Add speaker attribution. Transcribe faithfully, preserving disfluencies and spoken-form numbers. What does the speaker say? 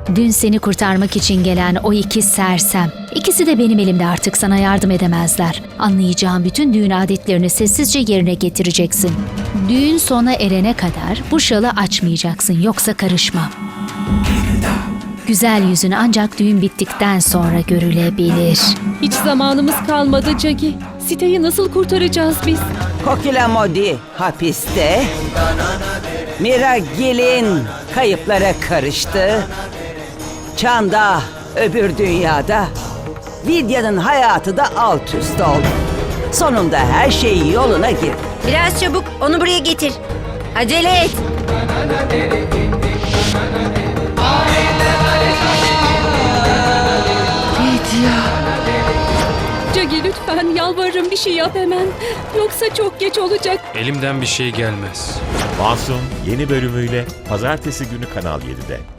Speaker 1: Dün seni kurtarmak için gelen o iki sersem. İkisi de benim elimde, artık sana yardım edemezler. Anlayacağım bütün düğün adetlerini sessizce yerine getireceksin. Düğün sona erene kadar bu şalı açmayacaksın, yoksa karışmam. Güzel yüzün ancak düğün bittikten sonra görülebilir.
Speaker 2: Hiç zamanımız kalmadı Cagi. Siteyi nasıl kurtaracağız biz?
Speaker 3: Kokila Modi hapiste. Mira Gelin kayıplara karıştı. Çanda öbür dünyada. Vidya'nın hayatı da alt üst oldu. Sonunda her şey yoluna girdi.
Speaker 4: Biraz çabuk onu buraya getir. Acele et.
Speaker 2: Cagi lütfen yalvarırım, bir şey yap hemen. Yoksa çok geç olacak.
Speaker 5: Elimden bir şey gelmez.
Speaker 6: Masum yeni bölümüyle Pazartesi günü Kanal yedide.